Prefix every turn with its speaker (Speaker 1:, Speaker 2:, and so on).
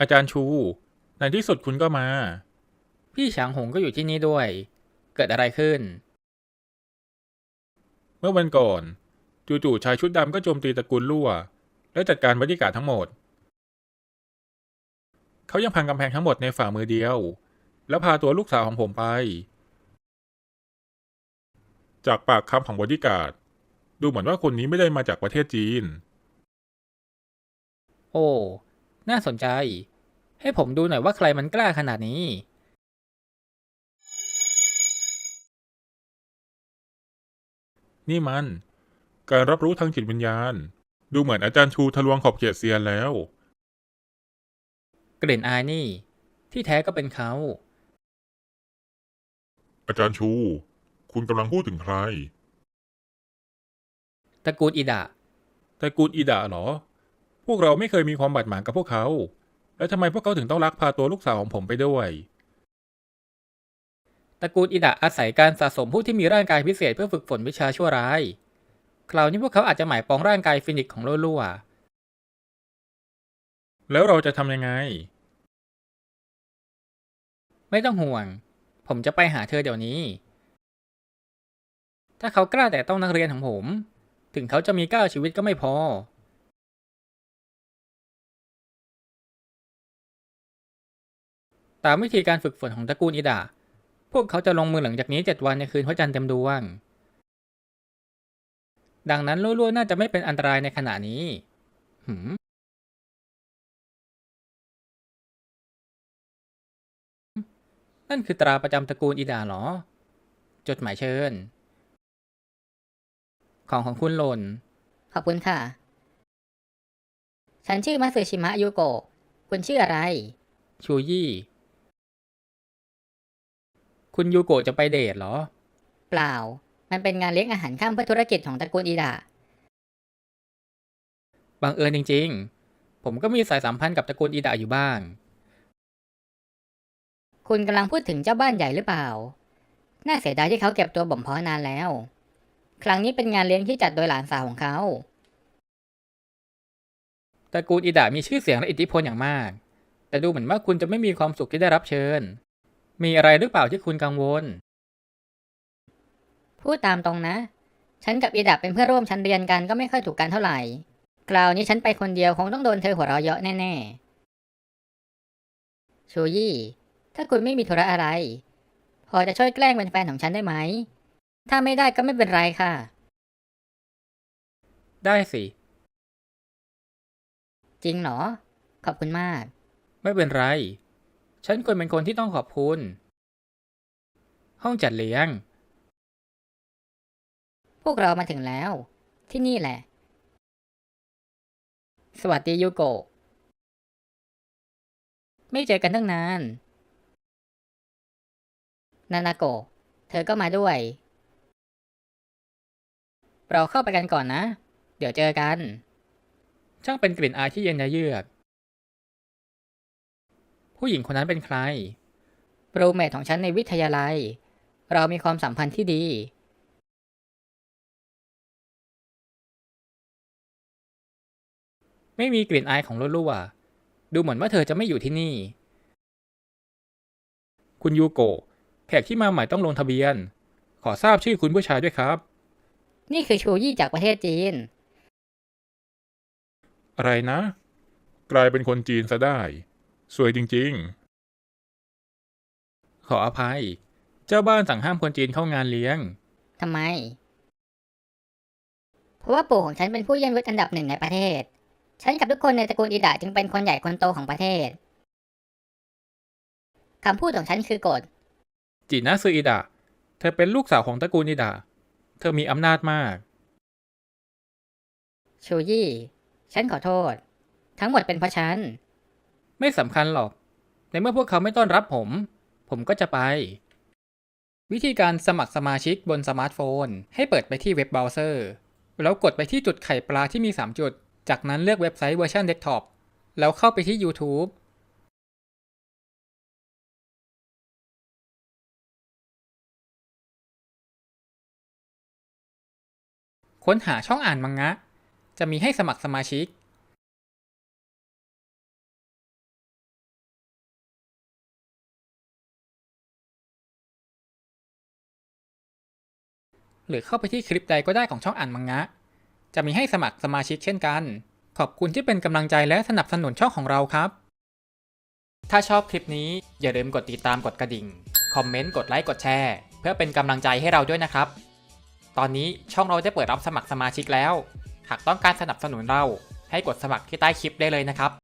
Speaker 1: อาจารย์ชูในที่สุดคุณก็มา
Speaker 2: พี่ฉางหงก็อยู่ที่นี่ด้วยเกิดอะไรขึ้น
Speaker 1: เมื่อวันก่อนจู่ๆชายชุดดำก็โจมตีตระกูลลั่วและจัดการบอดี้การ์ดทั้งหมดเขายังพังกำแพงทั้งหมดในฝ่ามือเดียวแล้วพาตัวลูกสาวของผมไปจากปากคำของบอดี้การ์ดดูเหมือนว่าคนนี้ไม่ได้มาจากประเทศจีน
Speaker 2: โอ้น่าสนใจให้ผมดูหน่อยว่าใครมันกล้าขนาดนี้
Speaker 1: นี่มันการรับรู้ทางจิตวิญญาณดูเหมือนอาจารย์ชูทะลวงขอบเขตเซียนแล้ว
Speaker 2: กลิ่นอายนี่ที่แท้ก็เป็นเขา
Speaker 3: อาจารย์ชู คุณกำลังพูดถึงใคร
Speaker 2: ตระกูลอิดะ
Speaker 1: ตระกูลอีดะเหรอพวกเราไม่เคยมีความบาดหมางกับพวกเขาแล้วทำไมพวกเขาถึงต้องลักพาตัวลูกสาวของผมไปด้วย
Speaker 2: ตระกูลอิดะอาศัยการสะสมผู้ที่มีร่างกายพิเศษเพื่อฝึกฝนวิชาชั่วร้ายคราวนี้พวกเขาอาจจะหมายปองร่างกายฟินิกซ์ของลั่ว
Speaker 1: แล้วเราจะทำยังไง
Speaker 2: ๆไม่ต้องห่วงผมจะไปหาเธอเดี๋ยวนี้ถ้าเขากล้าแต่ต้องนักเรียนของผมถึงเขาจะมี9 ชีวิตก็ไม่พอตามวิธีการฝึกฝนของตระกูลอิดะพวกเขาจะลงมือหลังจากนี้7 วันในคืนพระจันทร์เต็มดวงดังนั้นลั่วๆน่าจะไม่เป็นอันตรายในขณะนี้หืมนั่นคือตราประจำตระกูลอิดะเหรอจดหมายเชิญของคุณหล่น
Speaker 4: ขอบคุณค่ะ ฉันชื่อมัตสึชิมะยูโกะคุณชื่ออะไร
Speaker 2: ชูยี่คุณยูโกะจะไปเดทเหรอ
Speaker 4: เปล่า มันเป็นงานเลี้ยงอาหารค่ำเพื่อธุรกิจของตระกูลอิดะ
Speaker 2: บังเอิญจริงๆผมก็มีสายสัมพันธ์กับตระกูลอิดะอยู่บ้าง
Speaker 4: คุณกำลังพูดถึงเจ้าบ้านใหญ่หรือเปล่า น่าเสียดายที่เขาเก็บตัวบ่มเพาะนานแล้ว ครั้งนี้เป็นงานเลี้ยงที่จัดโดยหลานสาวของเขา
Speaker 2: ตระกูลอิดะมีชื่อเสียงและอิทธิพลอย่างมากแต่ดูเหมือนว่าคุณจะไม่มีความสุขที่ได้รับเชิญมีอะไรหรือเปล่าที่คุณกังวล
Speaker 4: พูดตามตรงนะ ฉันกับอิดะเป็นเพื่อนร่วมชั้นเรียนกันก็ไม่ค่อยถูกกันเท่าไหร่คราวนี้ฉันไปคนเดียวคงต้องโดนเธอหัวเราะเยาะแน่ๆชูยี่ ถ้าคุณไม่มีธุระอะไร พอจะช่วยแกล้งเป็นแฟนของฉันได้ไหม ถ้าไม่ได้ก็ไม่เป็นไรค่ะ
Speaker 2: ได้สิ
Speaker 4: จริงเหรอ ขอบคุณมาก
Speaker 2: ไม่เป็นไรฉันควรเป็นคนที่ต้องขอบคุณห้องจัดเลี้ยง
Speaker 4: พวกเรามาถึงแล้ว ที่นี่แหละ สวัสดียูโกะไม่เจอกันตั้งนาน นานาโกะเธอก็มาด้วย เราเข้าไปกันก่อนนะ เดี๋ยวเจอกัน
Speaker 2: ช่างเป็นกลิ่นอายที่เย็นยะเยือกผู้หญิงคนนั้นเป็นใคร
Speaker 4: รูเมทของฉันในวิทยาลัย เรามีความสัมพันธ์ที่ดี
Speaker 2: ไม่มีกลิ่นอายของลั่วๆดูเหมือนว่าเธอจะไม่อยู่ที่นี่คุณยูโกะแขกที่มาใหม่ต้องลงทะเบียนขอทราบชื่อคุณผู้ชายด้วยครับ
Speaker 4: นี่คือชูยี่จากประเทศจีน
Speaker 1: อะไรนะกลายเป็นคนจีนซะได้สวยจริง
Speaker 2: ขออภัยเจ้าบ้านสั่งห้ามคนจีนเข้างานเลี้ยง
Speaker 4: ทำไม เพราะว่าปู่ของฉันเป็นผู้เยี่ยมยศอันดับ1ในประเทศ ฉันกับทุกคนในตระกูลอิดะจึงเป็นคนใหญ่คนโตของประเทศ คำพูดของฉันคือกฎ
Speaker 2: จินะซืออิดะเธอเป็นลูกสาวของตระกูลอิดะเธอมีอำนาจมาก
Speaker 4: ชูยี่ ฉันขอโทษ ทั้งหมดเป็นเพราะฉัน
Speaker 2: ไม่สำคัญหรอกในเมื่อพวกเขาไม่ต้อนรับผมก็จะไปวิธีการสมัครสมาชิกบนสมาร์ทโฟนให้เปิดไปที่เว็บเบราว์เซอร์แล้วกดไปที่จุดไข่ปลาที่มี3จุดจากนั้นเลือกเว็บไซต์เวอร์ชันเดสก์ท็อปแล้วเข้าไปที่ YouTube ค้นหาช่องอ่านมังงะจะมีให้สมัครสมาชิกหรือเข้าไปที่คลิปใดก็ได้ของช่องอ่านมังงะ จะมีให้สมัครสมาชิกเช่นกัน ขอบคุณที่เป็นกำลังใจและสนับสนุนช่องของเราครับ ถ้าชอบคลิปนี้อย่าลืมกดติดตามกดกระดิ่ง คอมเมนต์ กดไลค์ กดแชร์ เพื่อเป็นกำลังใจให้เราด้วยนะครับ ตอนนี้ช่องเราได้เปิดรับสมัครสมาชิกแล้ว หากต้องการสนับสนุนเราให้กดสมัครที่ใต้คลิปได้เลยนะครับ